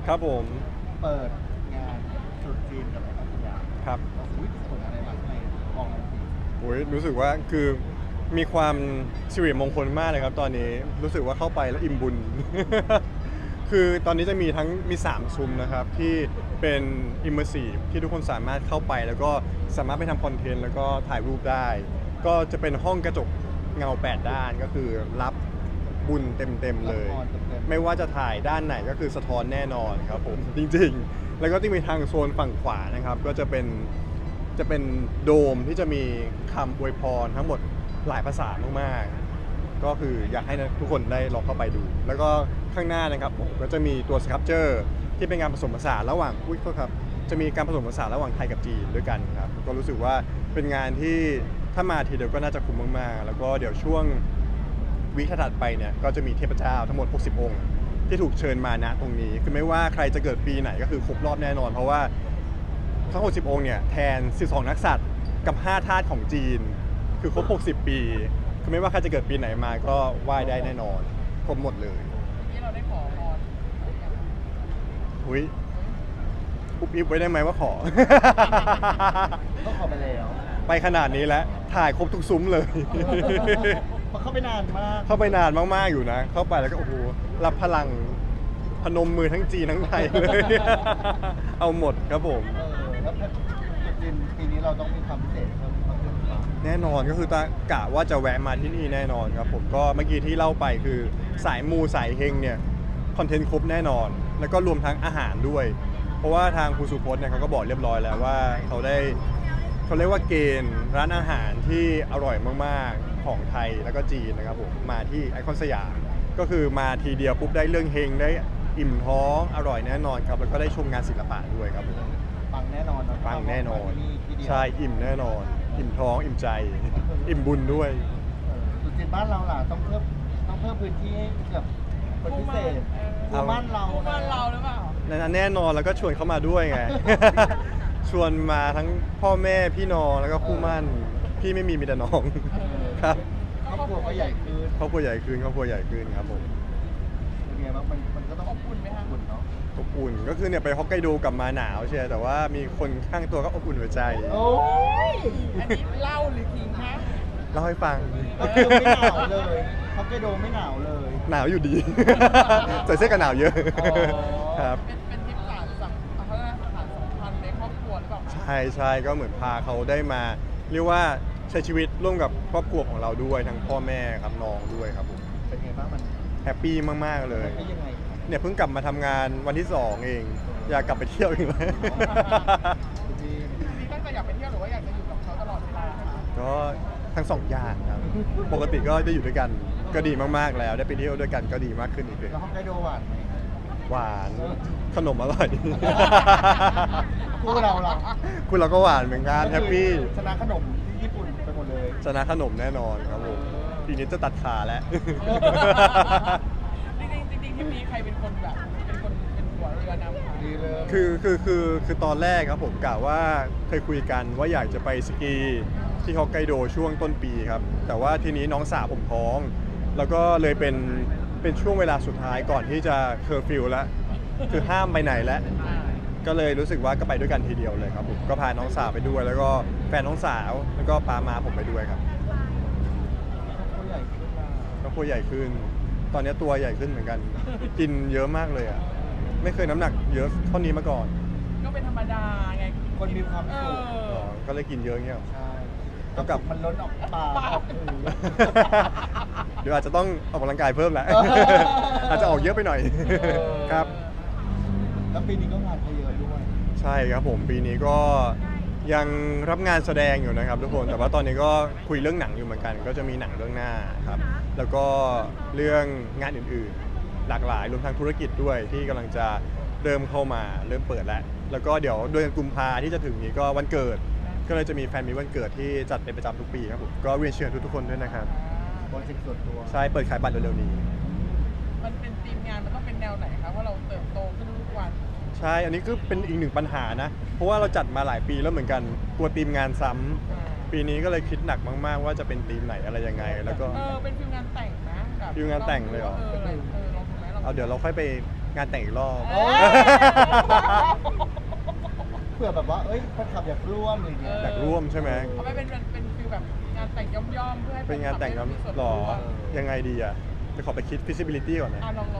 ครับผมเปิดงานตรุษจีนกับพัทยาครับเราคุยส่งอะไรมาให้มองกันทีโอ้ยรู้สึกว่าคือมีความสิริมงคลมากเลยครับตอนนี้รู้สึกว่าเข้าไปแล้วอิ่มบุญ คือตอนนี้จะมีทั้งมี3ซุ้มนะครับที่เป็น immersive ที่ทุกคนสามารถเข้าไปแล้วก็สามารถไปทำคอนเทนต์แล้วก็ถ่ายรูปได้ ก็จะเป็นห้องกระจกเงา8ด้านก็คือรับบุญเต็มๆเลยละครเต็มไม่ว่าจะถ่ายด้านไหนก็คือสะท้อนแน่นอนครับผมจริงๆแล้วก็ที่มีทางโซนฝั่งขวานะครับก็จะเป็นโดมที่จะมีคำอวยพรทั้งหมดหลายภาษามากๆก็คืออยากให้ทุกคนได้ลองเข้าไปดู แล้วก็ข้างหน้านะครับผมก็จะมีตัวสครับเจอร์ที่เป็นงานผสมผสานระหว่างอุ้ยโทษครับจะมีการผสมผสานระหว่างไทยกับจีนด้วยกันครับก็รู้สึกว่าเป็นงานที่ถ้ามาทีเดียวก็น่าจะคุ้มมากๆแล้วก็เดี๋ยวช่วง วีคถัดไปเนี่ยก็จะมีเทพเจ้าทั้งหมด60องค์ที่ถูกเชิญมาณตรงนี้คือไม่ว่าใครจะเกิดปีไหนก็คือครบรอบแน่นอนเพราะว่าทั้ง60องค์เนี่ยแทน12นักษัตริย์กับ5ธาตุของจีนคือครบ60ปีคือไม่ว่าใครจะเกิดปีไหนมาก็ไหว้ได้แน่นอนครบหมดเลยที่เราได้ขอพรอุ้ยอุบอิบไว้ได้ไหมว่าขอก็ขอไปแล้วไปขนาดนี้แล้วถ่ายครบทุกซุ้มเลยมันเข้าไปนานมากเข้าไปนานมากๆอยู่นะเข้าไปแล้วก็โอ้โหรับพลังพนมมือทั้งจีนทั้งไทยเลย เอาหมดครับผมแล้วตรุษจีนปีนี้เราต้องมีความพิเศษเพิ่มขึ้นมาแน่นอนก็คือตากะว่าจะแวะมาที่นี่แน่นอนครับผมก็เมื่อกี้ที่เล่าไปคือสายมูสายเฮงเนี่ยคอนเทนต์ครบแน่นอน แล้วก็รวมทั้งอาหารด้วย เพราะว่าทางครูสุพจน์เนี่ยเขาก็บอกเรียบร้อยแล้วว่าเขาเรียกว่าเกณฑ์ร้านอาหารที่อร่อยมากๆของไทยแล้วก็จีนนะครับผมมาที่ไอคอนสยามก็คือมาทีเดียวปุ๊บได้เรื่องเฮงได้อิ่มท้องอร่อยแน่นอนครับแล้วก็ได้ชมงานศิลปะด้วยครับผมปังแน่นอนนะปังแน่นอนที่เดียวใช่อิ่มแน่นอน อิ่มท้องอิ่มใจ อิ่มบุญด้วยตรุษจีนบ้านเราล่ะต้องเพิ่มพื้นที่ให้กับคนพิเศษเอาบ้านเราคู่บ้านเราหรือเปล่าแน่นอนแล้วก็ชวนเขามาด้วยไง ชวนมาทั้งพ่อแม่พี่น้องแล้วก็คู่หมั่นพี่ไม่มีแต่น้อง ครับครอบครัวก็ใหญ่ขึ้นครอบครัวใหญ่ขึ้นครอบครัวใหญ่ขึ้นครับผมเป็นไงบ้างมันก็ต้องอบอุ่นไหมคะอบอุ่นเนาะอบอุ่นก็คือเนี่ยไปฮอกไกโดกลับมาหนาวใช่แต่ว่ามีคนข้างตัวก็อบอุ่นหัวใจโอ้ยอันนี้เล่าหรือขิงคะเล่าให้ฟังฮอกไกโดไม่หนาวเลยฮอกไกโดไม่หนาวเลยหนาวอยู่ดี ใส่เสื้อกันหนาวเยอะอ๋อครับเป็นทริปสารสัมเขาเรียกว่าสารสัมพันธ์ในครอบครัวหรือเปล่าคะใช่ก็เหมือนพาเขาได้มาเรียกว่าใช้ชีวิตร่วมกับครอบครัวของเราด้วยทั้งพ่อแม่ครับน้องด้วยครับผมเป็นไงบ้างมันแฮปปี้มากๆเลยเป็นยังไงเนี่ยเพิ่งกลับมาทำงานวันที่ 2 เอง อยากกลับไปเที่ยวอีกแล้วจีนนี่ตั้งใจอยากไปเที่ยวหรือว่าอยากจะอยู่กับเขาตลอดเวลาคะก็ทั้งสองอย่างครับ ปกติก็ได้อยู่ด้วยกันก็ดีมากๆแล้ว ได้ไปเที่ยวด้วยกันก็ดีมากขึ้นอีกเลยแล้วฮอกไกโดหวานไหมหวานขนมอร่อยคู่เราล่ะคุณเราก็หวานเหมือนกันแฮปปี้ชนะขนมที่ญี่ปุ่นไปหมดเลยชนะขนมแน่นอนครับผมปีนี้จะตัดขาแล้วจริงๆทริปนี้ใครเป็นคนแบบเป็นหัวเรือนำคะดีเลยคือตอนแรกครับผมกะว่าเคยคุยกันว่าอยากจะไปสกีที่ฮอกไกโดช่วงต้นปีครับแต่ว่าทีนี้น้องสาวผมท้อง แล้วก็เลยเป็นช่วงเวลาสุดท้ายก่อนที่จะเคอร์ฟิวแล้วคือห้ามไปไหนแล้ว ก็เลยรู้สึกว่าก็ไปด้วยกันทีเดียวเลยครับผมก็พาน้องสาวไปด้วย แล้วก็แฟนน้องสาวแล้วก็ปามาผมไปด้วยครับตัวใหญ่ขึ้นมาก็ตัวใหญ่ขึ้น ตอนนี้ตัวใหญ่ขึ้นเหมือนกัน กินเยอะมากเลยอ่ะไม่เคยน้ำหนักเยอะเท่านี้มาก่อนก็เป็นธรรมดาไงคนมีความเอสุขอ๋ออก็เลยกินเยอะเงี้ยหรอใช่แล้วกับมันล้นออกปากออกหูเดี๋ยวอาจจะต้องออกกำลังกายเพิ่มแหละ อาจจะออกเยอะไปหน่อย ครับแล้วปีนี้ก็งานเยอะด้วยใช่ครับผมปีนี้ก็ยังรับงานแสดงอยู่นะครับทุกคนแต่ว่าตอนนี้ก็คุยเรื่องหนังอยู่เหมือนกัน ก็จะมีหนังเรื่องหน้าครับแล้วก็เรื่องงานอื่นๆ หลากหลายรวมทั้งธุรกิจด้วยที่กำลังจะเริ่มเข้ามาเริ่มเปิดแล้วก็เดี๋ยวเดือนกุมภาที่จะถึงนี้ก็วันเกิด ก็เลยจะมีแฟนมีวันเกิดที่จัดเป็นประจำทุกปีครับผมก็เรียนเชิญทุกๆคนด้วยนะครับโปรเจกต์ส่วนตัวใช่เปิดขายบัตรเร็วๆนี้มันเป็นทีมงานมันต้องเป็นแนวไหนคะว่าเราเติบโตขึ้นทุกวันใช่ อันนี้ก็เป็นอีกหนึ่งปัญหานะ เพราะว่าเราจัดมาหลายปีแล้วเหมือนกันกลัวทีมงานซ้ำปีนี้ก็เลยคิดหนักมากๆ ว่าจะเป็นทีมไหนอะไรยังไง แล้วก็เป็นฟิลงานแต่งนะแบบฟิลงานแต่งเลยเหรอลองดูไหมลองเอาเดี๋ยวเราค่อยไปงานแต่งอีกรอบเออ เผื่อแบบว่าเอ้ยแฟนคลับอยากร่วมอะไรอย่างเงี้ยอยากร่วมใช่ไหมเอาไปเป็นฟิลแบบงานแต่งย่อมๆเพื่อให้เป็นงานแต่งแฟคลับได้มีส่วนหรอร่วมยังไงดีอ่ะจะขอไปคิด feasibility ก่อนนะลอง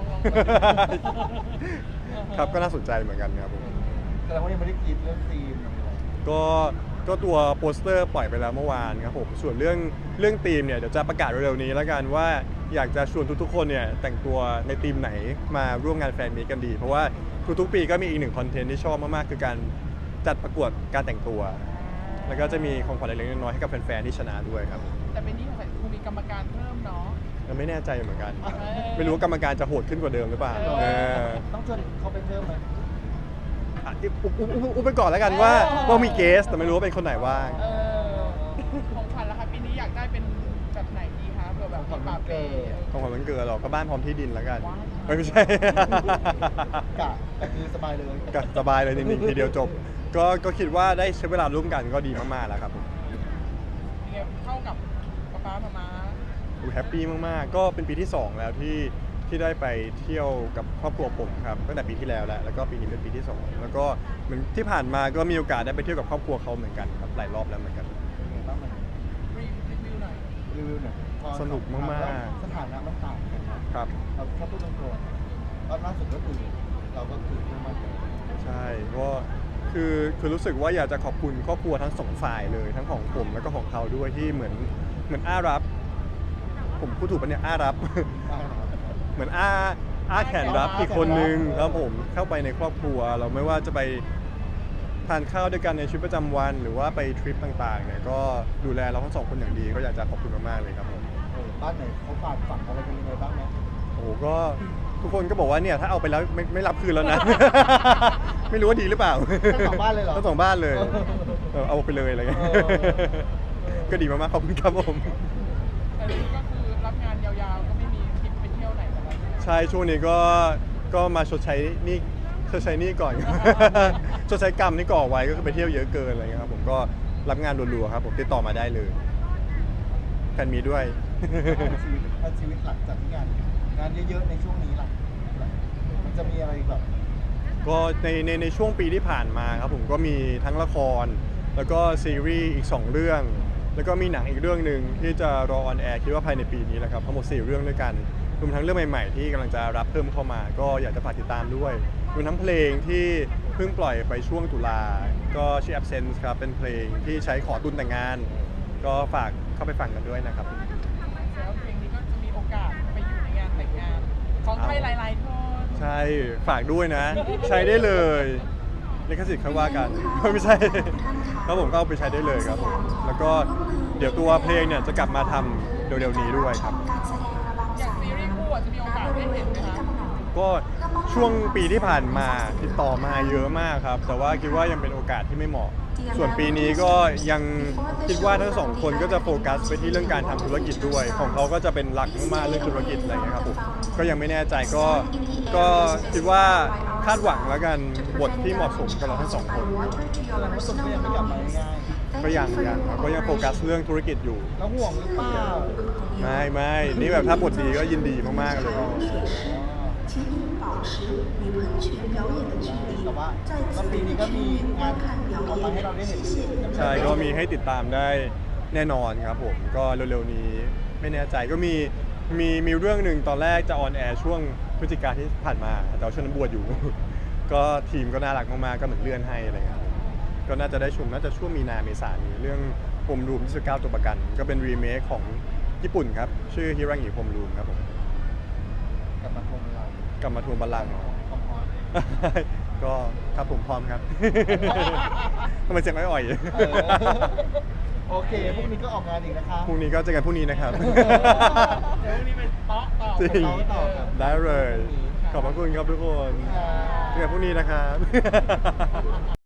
ครับก็น่าสนใจเหมือนกันครับผมแสดงว่ายังไม่ได้คิดเรื่องธีมอะไรเลยก็ตัวโปสเตอร์ปล่อยไปแล้วเมื่อวานครับผมส่วนเรื่องธีมเนี่ยเดี๋ยวจะประกาศเร็วๆนี้แล้วกันว่าอยากจะชวนทุกๆคนเนี่ยแต่งตัวในธีมไหนมาร่วมงานแฟนมีตกันดี เพราะว่าทุกๆปีก็มีอีกหนึ่งคอนเทนต์ที่ชอบมากๆคือการจัดประกวดการแต่งตัว แล้วก็จะมีของขวัญเล็กๆน้อยๆให้กับแฟนๆที่ชนะด้วยครับแต่เป็นนี่ของคงมีกรรมการเพิ่มเนาะยังไม่แน่ใจเหมือนกันอไม่รู้ว่ากรรมการจะโหดขึ้นกว่าเดิมหรือเปล่าเออต้องชวนเขาไปเพิ่มไหมอ่ะอุบไปก่อนแล้วกันว่ามีเกสแต่ไม่รู้ว่าเป็นคนไหนว่างของขวัญล่ะคะปีนี้อยากได้เป็นแบบไหนดีคะเผื่อแบบมีปาเป้ของขวัญวันเกิดหรอกก็บ้านพร้อมที่ดินแล้วกันว้าวไม่ใช่กะคือสบายเลยก็สบายเลยจริงๆทีเดียวจบ ก็คิดว่าได้ใช้เวลาร่วมกันก็ดีมากๆแล้วครับผมเนี่ยเข้ากับป๊ามาแฮปปี้มากๆ ก็เป็นปีที่ 2 แล้วที่ได้ไปเที่ยวกับครอบครัวผมครับตั้งแต่ปีที่แล้วแล้วก็ปีนี้เป็นปีที่ 2 แล้วก็เหมือนที่ผ่านมาก็มีโอกาสได้ไปเที่ยวกับครอบครัวเขาเหมือนกันครับหลายรอบแล้วเหมือนกันเป็นไงบ้างมันรีวิวหน่อยรีวิวหน่อยพอสนุกมากๆสถานะมันต่างกันนะครับ เราแค่พูดตรงๆตอนล่าสุดก็คือเราก็คือเพิ่งมาเจอใช่ก็คือรู้สึกว่าอยากจะขอบคุณครอบครัวทั้งสองฝ่ายเลยทั้งของผมแล้วก็ของเขาด้วยที่เหมือนอ้ารับ ผมพูดถูกปะเนี่ยอ้ารับได้นะครับเหมือนอ้าแขนรับอีกคนนึงครับผมเข้าไปในครอบครัว เราไม่ว่าจะไปทานข้าวด้วยกันในชีวิตประจำวัน หรือว่าไปทริปต่างๆเนี่ยก็ดูแลเราทั้งสองคนอย่างดีก็อยากจะขอบคุณมากๆเลยครับผมบ้านไหนเขาฝากฝังอะไรกันยังไงบ้างไหมโอ้โหก็ทุกคนก็บอกว่าเนี่ยถ้าเอาไปแล้วไม่รับคืนแล้วนะ ไม่รู้ว่าดีหรือเปล่าทั้งสองบ้านเลยเหรอทั้งสองบ้านเลยเอาไปเลยอะไรเงี้ยเออก็ดีมากๆขอบคุณครับผมแต่นี่ก็คือรับงานยาวๆก็ไม่มีทริปไปเที่ยวไหนกันแล้วใช่ช่วงนี้ก็มาชดใช้หนี้ก่อน ชดใช้กรรมที่ก่อไว้ก็คือไปเที่ยวเยอะเกินอะไรเงี้ยครับผมก็รับงานรัวๆครับผมติดต่อมาได้เลยแฟนมีด้วยชีวิตหลังจากที่งานเยอะๆในช่วงนี้ล่ะมันจะมีอะไรแบบก็ในช่วงปีที่ผ่านมาครับผมก็มีทั้งละคร แล้วก็ซีรีส์อีก 2 เรื่อง แล้วก็มีหนังอีกเรื่องหนึ่งที่จะรอออนแอร์คิดว่าภายในปีนี้แหละครับทั้งหมด4 เรื่องด้วยกันรวมทั้งเรื่องใหม่ๆที่กำลังจะรับเพิ่มเข้ามา ก็อยากจะฝากติดตามด้วยรวมทั้งเพลงที่เพิ่งปล่อยไปช่วงตุลาก็ชื่อ Absence ครับเป็นเพลงที่ใช้ขอตุนแต่งงาน ก็ฝากเข้าไปฟังกันด้วยนะครับแล้วเพลงนี้ก็จะมีโอกาสไปอยู่ในงานแต่งงานของใครหลายๆคนใช่ฝากด้วยนะ ใช้ได้เลยลิขสิทธิ์ค่อยว่ากัน ไม่ใช่ครับผมก็เอาไปใช้ได้เลยครับผมแล้วก็เดี๋ยวตัวเพลงเนี่ยจะกลับมาทำเร็วๆนี้ด้วยครับอย่างซีรีส์คู่อะจะมีโอกาสได้เห็นไหมคะก็ช่วงปีที่ผ่านมาติดต่อมาเยอะมากครับ แต่ว่าคิดว่ายังเป็นโอกาสที่ไม่เหมาะ ส่วนปีนี้ก็ยังคิดว่าทั้งสองคนก็จะโฟกัสไปที่เรื่องการทำธุรกิจด้วย ของเขาก็จะเป็นหลักมากๆเรื่องธุรกิจอะไรอย่างเงี้ยครับผมก็ยังไม่แน่ใจก็คิดว่าคาดหวังแล้วกันบทที่เหมาะสมกับเราทั้งสองคนครับเรารู้สึกว่ายังไม่กลับมาง่ายก็ยังครับก็ยังโฟกัสเรื่องธุรกิจอยู่ๆแล้วห่วงหรือเปล่าไม่นี่แบบถ้าบทดีก็ยินดีมากๆเลย请您保持与喷泉表演的距离แต่ว่า在ก็此ปีนี้ก็มีงานออกมาให้เราได้เห็นใช่ก็มีให้ติดตามได้แน่นอนครับผมก็เร็วๆนี้ไม่แน่ใจก็มีเรื่องหนึ่งตอนแรกจะออนแอร์ช่วงพฤศจิกาที่ผ่านมาแต่ว่าช่วงนั้นบวชอยู่ ก็ทีมก็น่ารักมากๆก็เหมือนเลื่อนให้อะไรเงี้ยครับก็น่าจะได้ชมน่าจะช่วงมีนาเมษายนนี้เรื่องพรมรูม29ตัวประกัน ก็เป็นรีเมคของญี่ปุ่นครับชื่อฮิรังิพรมรูมครับผมกลับมาทวงเรากลับมาทวงบัลลังก์พร้อมก็ครับผมพร้อมครับ ทำไมเสียงอ่อยๆเออโอเคพรุ่งนี้ก็ออกงานอีกนะคะๆพรุ่งนี้ก็เจอกันพรุ่งนี้นะครับเดี๋ยววันนี้เป็นเตาะต่อจริงต่อครับได้เลย ขอบพระคุณครับทุกคนอ่าเจอกันพรุ่งนี้นะครับ